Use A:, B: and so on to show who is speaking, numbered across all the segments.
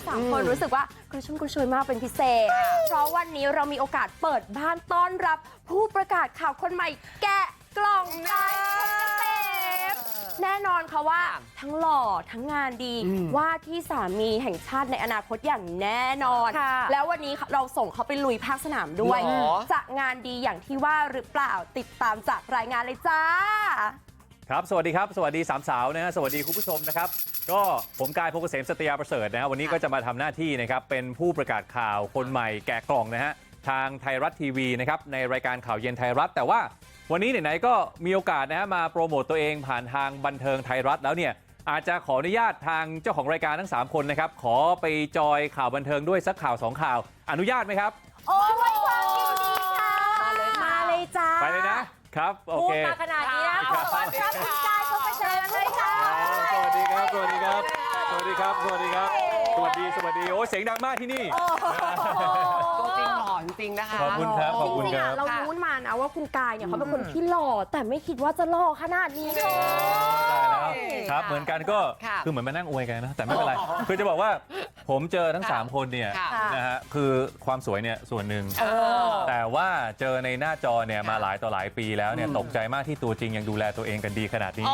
A: 3 คนรู้สึกว่ากระชุ่มกระชวยมากเป็นพิเศษเพราะวันนี้เรามีโอกาสเปิดบ้านต้อนรับผู้ประกาศข่าวคนใหม่แกะกล่องใจคนเกษมแน่นอนค่ะว่าทั้งหล่อทั้งงานดีว่าที่สามีแห่งชาติในอนาคตอย่างแน่นอนแล้ววันนี้เราส่งเขาไปลุยภาคสนามด้วยจะงานดีอย่างที่ว่าหรือเปล่าติดตามจากรายงานเลยจ้า
B: ครับสวัสดีครับสวัสดี3 สาวนะฮะสวัสดีคุณผู้ชมนะครับก็ผมกายพงษ์เกษมสัตยาประเสริฐนะฮะวันนี้ก็จะมาทำหน้าที่นะครับเป็นผู้ประกาศข่าวคนใหม่แกะกล่องนะฮะทางไทยรัฐทีวีนะครับในรายการข่าวเย็นไทยรัฐแต่ว่าวันนี้ไหนๆก็มีโอกาสนะฮะมาโปรโมตตัวเองผ่านทางบันเทิงไทยรัฐแล้วเนี่ยอาจจะขออนุญาตทางเจ้าของรายการทั้ง3 คนนะครับขอไปจอยข่าวบันเทิงด้วยสักข่าว2 ข่าวอนุญาตไหมครับ
A: โอ้ยไว้วางยินดีค่ะมาเลยจ้า
B: ไปเลยนะครับโอเค
A: พูดมาขนาดนี้นะขอต้อนรับคุณกายพงษ์เกษมเลยค่ะ
B: สวัสดีครับสวัสดีครับสวัสดีครับสวัสดีครับสวัสดีโอ้เสียงดังมากที่นี่
C: ตัวจริงหล่อจริงๆนะคะ
B: ขอบคุณครับขอบคุณครับ
A: เรารู้มานะว่าคุณกายเนี่ยเขาเป็นคนที่หล่อแต่ไม่คิดว่าจะหล่อขนาดนี้เลย
B: ตายแล้วครับเหมือนกันก็คือเหมือนมานั่งอวยกันนะแต่ไม่เป็นไรคือจะบอกว่าผมเจอทั้ง3 คนเนี่ยนะฮะคือความสวยเนี่ยส่วนหนึ่งแต่ว่าเจอในหน้าจอเนี่ยมาหลายต่อหลายปีแล้วเนี่ยตกใจมากที่ตัวจริงยังดูแลตัวเองกันดีขนาดนี้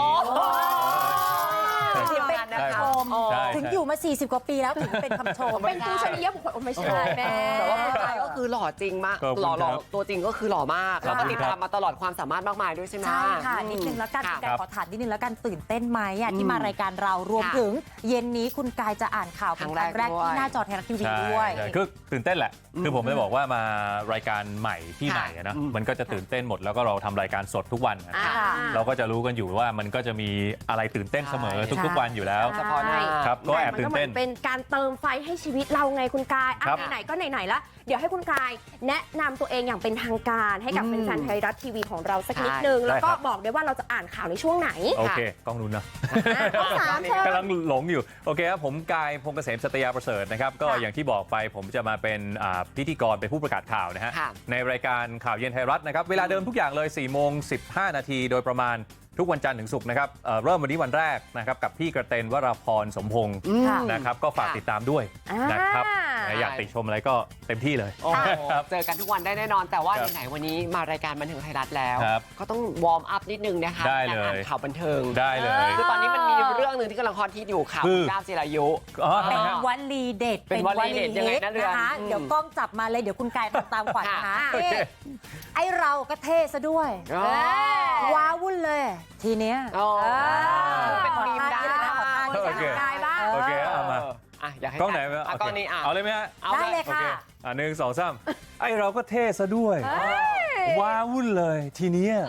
D: ถึงอยู่มา40 กว่าปีแล้วถึงเป็นคำชม
A: เป็นผู้ชนิยบุคคลไม่ใช่แม่
C: แต่ว่าคุณกายก็คือหล่อจริงมากหล่อตัวจริงก็คือหล่อมากแล้วก็ติดตามมาตลอดความสามารถมากมายด้วยใช่ไหม
D: ใช่ค่ะนิดนึงแล้วกันคุณกายขอถามนิดนึงแล้วกันตื่นเต้นไหมที่มารายการเรารวมถึงเย็นนี้คุณกายจะอ่านข่าวเป็นครั้งแรกที่หน้าจอไทยรัฐทีวีด้วย
B: คือตื่นเต้นแหละคือผมจะบอกว่ามารายการใหม่ที่ใหม่นะมันก็จะตื่นเต้นหมดแล้วก็เราทำรายการสดทุกวันเราก็จะรู้กันอยู่ว่ามันก็จะมีอะไรตื่นเต้นเสมอทุกวันอยู่แล้ว
A: เฉพาะ
B: ครับก็แอบตื่นเต้น
A: เป็นการเติมไฟให้ชีวิตเราไงคุณกายไหนๆก็ไหนๆละเดี๋ยวให้คุณกายแนะนำตัวเองอย่างเป็นทางการให้กับแฟนๆไทยรัฐทีวีของเราสักนิดนึงแล้วก็บอกด้วยว่าเราจะอ่านข่าวในช่วงไหน
B: โอเคกล้องนู้นนะกำลังหลงอยู่โอเคครับผมกายพงษ์เกษมสัตยาประเสริฐนะครับก็อย่างที่บอกไปผมจะมาเป็นพิธีกรเป็นผู้ประกาศข่าวนะฮะในรายการข่าวเย็นไทยรัฐนะครับเวลาเดิมทุกอย่างเลย4:15 นาทีโดยประมาณทุกวันจันทร์ถึงศุกร์นะครับเริ่มวันนี้วันแรกนะครับกับพี่กระเตนวราพรสมพงศ์นะครับก็ฝากติดตามด้วยนะครับอยากติชมอะไรก็เต็มที่เลย
C: เจอกันทุกวันได้แน่นอนแต่ว่าไหนๆวันนี้มารายการบันเทิงไทยรัฐแล้วก็ต้องวอร์มอัพนิดนึงนะคะ
B: การอ่
C: านข่าวบันเทิง
B: ได้เลย
C: คือตอนนี้มันมีเรื่องหนึ่งที่กำลังฮอตฮิตอยู่ข่าวก้าวจิรายุ
D: เป็นวลีเด็ด
C: เป็นวลีเด็ดยังไงนะ
D: นะคะเดี๋ยวกล้องจับมาเลยเดี๋ยวคุณกายทำตามขวัญนะคะไอเราก็เท่ซะด้วยว้าวุ่นเลยทีเนี้ย
C: เป็นมีมได้
A: นะขอทานกายบ้าง
B: โอเคเอามา
C: อยากให้
B: กล้องไหน
C: กล้องนี้
B: เอาเลยไหมฮะ
D: ได้เลยค่ะ
B: 1 2 3ไอเราก็เท่ซะด้วยว้าวุ่นเลยทีเนี้ย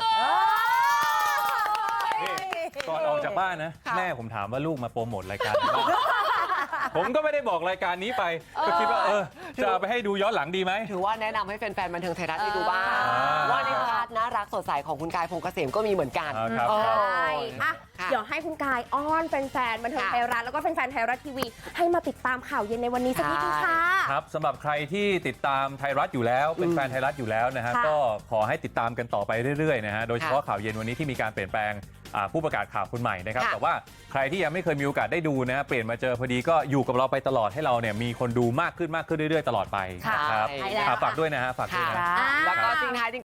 B: ก่อนออกจากบ้านนะแม่ผมถามว่าลูกมาโปรโมทรายการผมก็ไม่ได้บอกรายการนี้ไปก็คิดว่าจะเอาไปให้ดูย้อนหลังดีไหม
C: ถือว่าแนะนำให้แฟนๆบันเทิงไทยรัฐได้ดูบ้างว่าในพาร์ทน่ารักสดใสของคุณกายพงษ์เกษมก็มีเหมือนกัน
A: เดี๋ยวให้คุณกายอ้อนแฟนๆบันเทิงไทยรัฐแล้วก็แฟนๆไทยรัฐทีวีให้มาติดตามข่าวเย็นในวันนี้สักนิดนึงค่ะ
B: ครับสำหรับใครที่ติดตามไทยรัฐอยู่แล้วเป็นแฟนไทยรัฐอยู่แล้วนะฮะก็ขอให้ติดตามกันต่อไปเรื่อยๆนะฮะโดยเฉพาะข่าวเย็นวันนี้ที่มีการเปลี่ยนแปลงผู้ประกาศข่าวคนใหม่นะครับแต่ว่าใครที่ยังไม่เคยมีโอกาสได้ดูนะเปลี่ยนมาเจอพอดีก็อยู่กับเราไปตลอดให้เราเนี่ยมีคนดูมากขึ้นเรื่อยๆตลอดไปนะครับฝากด้วยนะฮะฝากด้วยนะ
C: แล้วก็จริงท้าย